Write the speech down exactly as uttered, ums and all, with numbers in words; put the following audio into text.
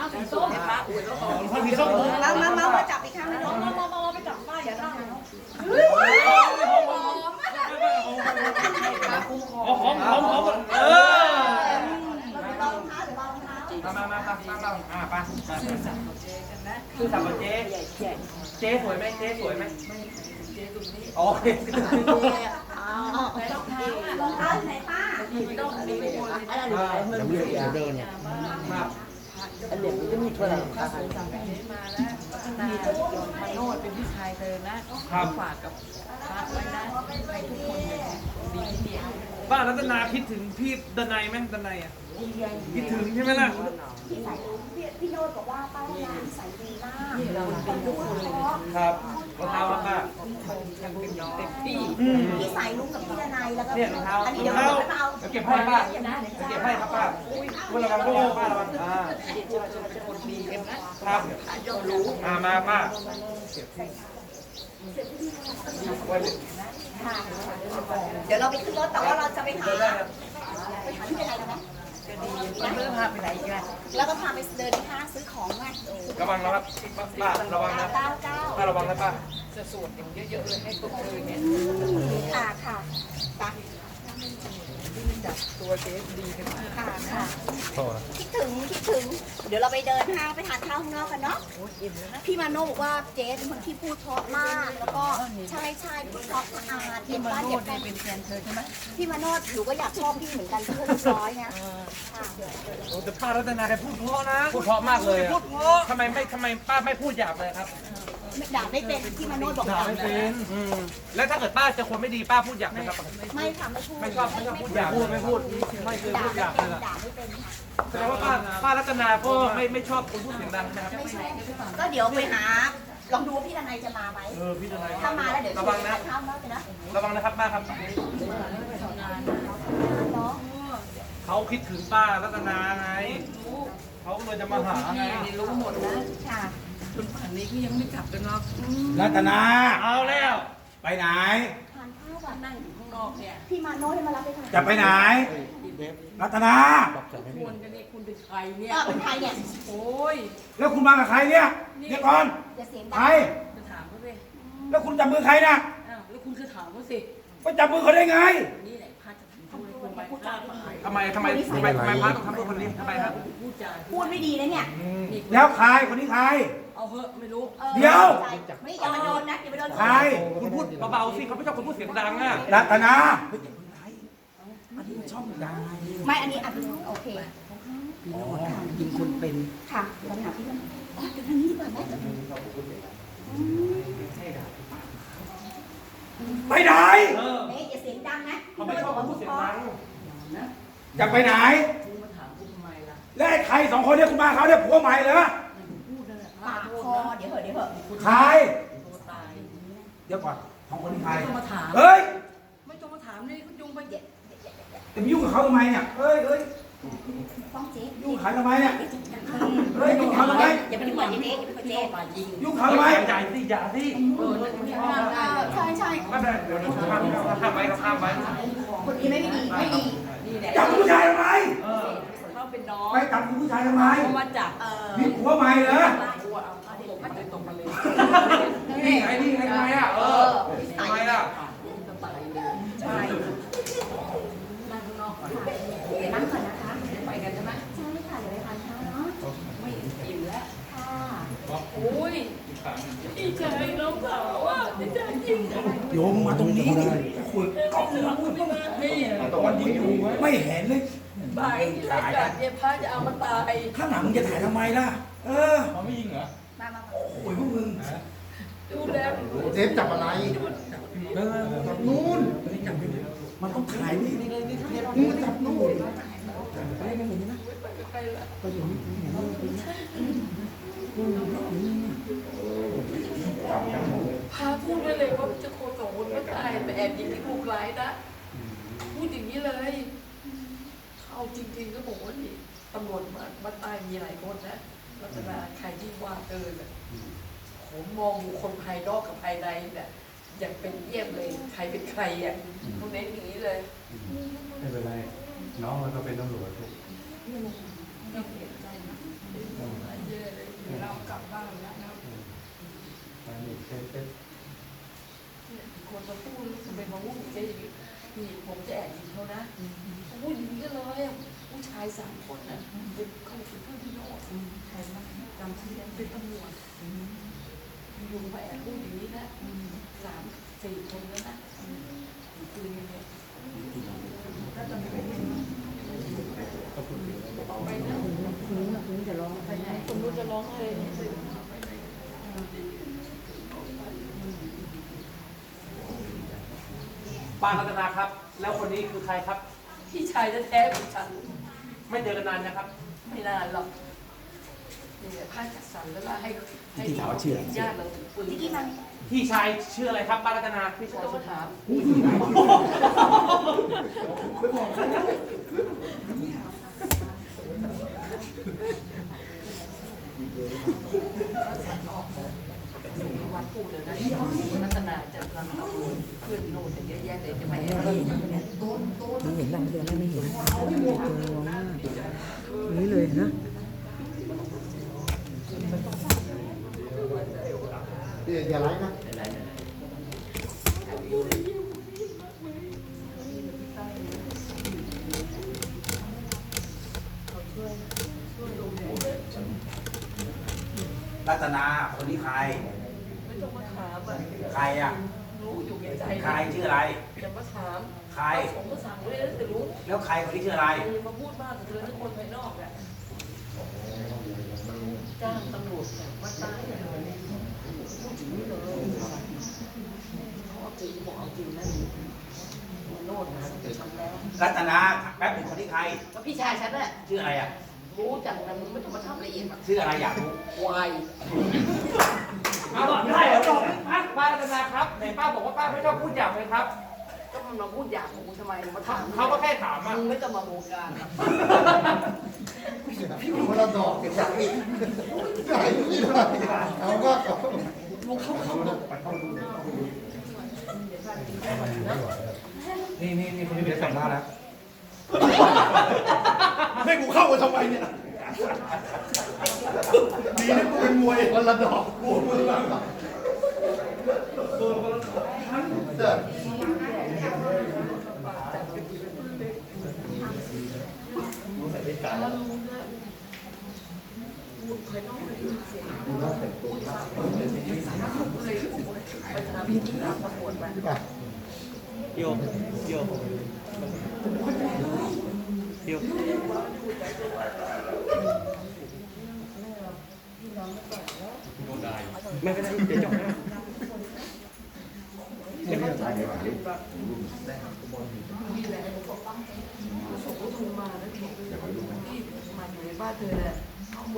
สีส้มเห็นปะอุ้ยแล้วอ๋อผ้าสีส้มมามามามาจับอีกข้างนึงมามามามาไปจับป้าอย่าทำอ๋อของของของเออรองเท้าหรือรองเท้ามามามามามาอ่าไปซื่อสัตย์กับเจ๊กันนะซื่อสัตย์กับเจ๊เจ๊สวยไหมเจ๊สวยไหมเจ๊ตรงนี้โอเคไหนรองเท้ารองเท้าไหนป้าต้องมีคนอะไรหรืออะไรมันเสียเดินครับอันเด็กมันจะมีตัวอะไรข้าซื้อสั่งเจ๊มาแล้วพัฒนามาโนดเป็นพี่ชายเธอนะฝากกับพระไว้นะให้ทุกคนดีที่เดียวป้ารัตนาคิดถึงพี่ดนัยไหมดนัยอ่ะคิดถึงใช่ไหมล่ะพี่สายพี่พี่โนดบอกว่าป้าร้านสายดีมากนี่เราเป็นทุกคนเลยครับรองเท้าป้ายังเป็นเต็มที่พี่สายลุงกับพี่ดนัยแล้วก็เนี่ยรองเท้าอันนี้รอเดี๋ยงวเท้าเราไปเอาเดี๋ยวเก็บให้ป้าเก็บให้ครับป้าคุณระวังด้วยป้าระวังอ่าเป็นคนดีเอ็มนะครับยอมรู้อ่ามาป้าเดี๋ยวเราไปขึ้นรถแต่ว่าเราจะไปหาไปหาที่ดนัยกันไหมจะดีเริ่มพาไปไหนอีกล่ะแล้วก็พาไปเดินที่ห้างซื้อของไงระวังนะครับป้าระวังนะเก้าเก้าป้าระวังนะป้าจะสวดอย่างเยอะๆเลยให้ตัวเธอเนี่ยค่ะค่ะไปจับตัวเจ๊ดีกันมากค่ะค่ะคิดถึงคิดถึง เดี๋ยวเราไปเดินห้างไปทานข้าวข้างนอกกันเนาะโอ้ยอิ่มแล้วนะพี่มาโน่บอกว่าเจ๊เป็นคนที่พูดเพราะมาก แล้วก็ใช่ใช่พูดเพราะสะอาดพี่เก็บมาบ้านโนเก็ดบเนี่แฟยนเป็นแฟนเธอใช่ไหมพี่มาโน่หนูก็อยากชอบพี่เหมือนกันที่เรียบร้อยไงค่ะโอ้แต่ป้ารัตนาแกพูดเพราะนะพูดเพราะมากเลยพูดเพราะทำไมไม่ทำไมป้าไม่พูดหยาบเลยครับด่าไม่เป็นพี่มาโน่บอกด่าไม่เป็นอืมแล้วถ้าเกิดป้าเจะคนไม่ดีป้าพูดหยาบไหมครับไม่ค่ะไม่พูดไม่ชอบไม่ชอบพูดหยาบพูดไม่พูดไม่เคยด่าพูดหไม่ยาบเป็เลนยล่ะด่าไม่เป็นค่ะแสดงว่าป้าป้ารัตนาก็ไม่ไม่ชอบคนพูดเสียงดังนะครับไม่ใช่ก็เดี๋ยวไปหาลองดูว่าพี่ดนัยจะมาไหมเออพี่ทนายถ้ามาแล้วเดี๋ยวระชววัน งไปนะทานข้าวแล้วกันนะระวังนะครับป้าครับเนาะเขาคิดถึงป้ารัตนาไงเขาก็เลยจะมาหาไงนี่รู้หมดนะค่ะจนป่านนี้ก็ยังไม่กลับกันเนาะรัตนาเอาแล้วไปไหนทานข้าวก่อนนั่งอยู่ข้างนอกเนี่ยพี่มาโน่ให้มารับไปทานจะไปไหน รัตนาควรกันนี่คุณเป็นใครเนี่ยเออเป็นใครเนี่ยโอ้ยแล้วคุณมากับใครเนี่ยเดี๋ยวก่อนอย่าเสียงใคดัรงจะถามเขาสิแล้วคุณจับมือใครนะอ้าวแล้วคุณคือถามเขาสิไปจับมือเขาได้ไงนี่แหละพระจะทำให้คุณไปฆ่าตายทำไมทำไมทำไมทำไมป้าต้องทำกับคนนี้ทำไมครับพูดจาพูดไม่ดีนะเนี่ยนี่แล้วใครคนนี้ใครเอาเหอะไม่รู้ออเดี๋ยวไม่อย่ามาโดนนะอย่ามาโดนใครคุณพูดเบาๆสิเขาไม่ชอบคนพูดเสียงดังอ่ะรัตนาเฮ้ยอันนี้มันช่องดังไม่อันนี้อันนี้โอเคอ๋อยิงคนเป็นค่ะเราไปหาพี่มันอ๋อเดี๋ยวทางนี้ดีกว่าไหมไปไหนเออเอ๊ะอย่าเสียงดังนะเขาไม่ชอบคนพูดเสียงดังนะจะไปไหนคุณมาถามคุณทำไมล่ะและไอ้ใครสองคนเนี่ยคุณมาเขาเนี่ยผัวใหม่เหรอพูดนั่นแหละปากคอเดี๋ยวเหอะเดี๋ยวเหอะใครตัวตายเดี๋ยวก่อนสองคนนี้ใครไม่ต้องมาถามเฮ้ยไม่ต้องมาถามนี่คุณยุงไปเดี๋ยวจะไปยุ่งกับเขาทำไมเนี่ยเฮ้ยเฮ้ยต้องเจ๊ยุ่งกับเขาทำไมเนี่ย เฮ้ยยุ่งกับเขาทำไมอย่าไปยุ่งกับเจ๊อย่าไปยุ่งกับเจ๊เจ๊ป่ายิงยุ่งกับเขาทำไมอย่าสิอย่าสิเออนั่นไม่ห้ามได้ใช่ใช่ไม่เป็นไรเดี๋ยวห้ามห้ามไว้ครับห้ามไว้คนนี้ไม่ดีไม่ดีนี่แหละจับผู้ชายทำไมเออเขาเป็นน้องไปจับผู้ชายทำไมเขามาจับเออมีผัวใหม่เหรอตัวเอาผ้าห่มไปตกมาเลยนี่ไงนี่ไงทำไมอ่ะเออทำไมล่ะจะตายเลยใช่นั่งข้างนอกก่อนเดี๋ยวนั่งก่อนนะคะไปกันใช่ไหมใช่ค่ะเดี๋ยวไปทานข้าวเนาะไม่อิ่มแล้วค่ะโอ้ยดีใจน้องสาวอ่ะดีใจจริงโยมมาตรงนี้ดิคุยกล้องนี่ตอนยิงอยู่ไม่เห็นเลยไปรายการเนี่ยพระจะเอามาตายข้างหลังมึงจะถ่ายทำไมล่ะ เออเขาไม่ยิงเหรอมามาโอ้ยพวกมึงดูแลเจฟจับอะไรจับนู่นมันต้องถ่ายนี่นี่นี่นี่จับนู่นใครละพาพูดได้เลยว่าจะโคสองคนก็ตายแต่แอบยิงที่ผูกร้ายนะพูดอย่างนี้เลยเอาจริงๆก็บอกว่านี่ตำรวจมามาตายมีหลายคนนะลักษณะใครที่ว่าเกินอ่ะผมมองบุคคลภายนอกกับภายในเนี่ยอย่างเป็นเยี่ยมเลยใครเป็นใครอ่ะตรงนี้อย่างนี้เลยไม่เป็นไร น้องมันก็เป็นตำรวจไม่เสียใจนะเนี่ยคนมาพูดแล้วทำไมมาพูดเจ๊อย่างนี้นี่ผมจะแอบยิงเขานะพูดอย่างนี้ก็เลยผู้ชายสามคนน่ะเป็นเขาเป็นเพื่อนพี่โน้ตใครมาจำชื่อได้เป็นตำรวจอยู่มาแอบพูดอย่างนี้นะสามสี่คนแล้วนะปืนเนี่ยถ้าจะไม่เป็นไปนะคุณจะร้องไปไหนคุณรู้จะร้องเลยไปไหนป้ารัตนาครับ แล้วคนนี้คือใครครับพี่ชายแท้ๆของฉันไม่เจอกันนานนะครับไม่นานหรอกนี่แหละผ้าจัดสรรแล้วล่ะให้ให้ที่ถามว่าชื่ออะไรญาติเราถือปืนที่กี้มันพี่ชายชื่ออะไรครับป้ารัตนาพี่ไม่ชายต้องมาถาม วันพูดเลยนะรัตนาจะทำเอาเพื่อนโน่นแต่เยอะแยะเลยจะไม่ให้ไม่เห็นไม่เห็นหลังเดือนแล้วไม่เห็นตัวร้องมากนี่เลยนะอย่าไล่นะรัตนาคนนี้ใครไม่ต้องมาถามอ่ะใครอ่ะรู้อยู่แก่ใจใครชื่ออะไรจะมาถามใครผมก็สั่งไว้แล้วแต่รู้แล้วใครคนนี้ชื่ออะไรอย่ามาพูดมากกับเธอทุกคนภายนอกอ่ะจ้างตำรวจเนี่ยวัดใต้เนี่ยพูดถึงนี่เลยเขาเอาจริงบอกเอาจริงนะโน่นนะทำแล้วรัตนาแป๊บหนึ่งคนนี้ใครก็พี่ชายฉันน่ะชื่ออะไรอ่ะรู้จักแต่มึงไม่ต้องมาทำละเอียดแบบชื่ออะไรอยากรู้ควายเอาบอกได้เหรอบอกป้าป้ารัตนาครับไหนป้าบอกว่าป้าไม่ชอบพูดหยาบเลยครับก็มันมาพูดหยาบของกูทำไมมาถามเขาก็แค่ถามอ่ะมึงไม่ต้องมาโมการพี่คนละดอกเก็บจากอีกใช่ไม่ได้เอาก็เอามึงเข้าเข้านี่นี่นี่คนนี้เดี๋ยวแต่งหน้าแล้วให้กูเข้ามาทำไมเนี่ยดีนะกูเป็นมวยคนละดอกกูคนละดอกโดนคนละดอกเด้อแล้วรู้นะพูดภายนอกไม่ได้ยินเสียงพูดเลยไปทำที่ตามตำรวจมาโยโยโยไม่เป็นไรเดี๋ยวจบนะนี่แหละผมบอกว่าส่งรูปมาแล้วบอกพี่มาอยู่ในบ้านเธอแหละ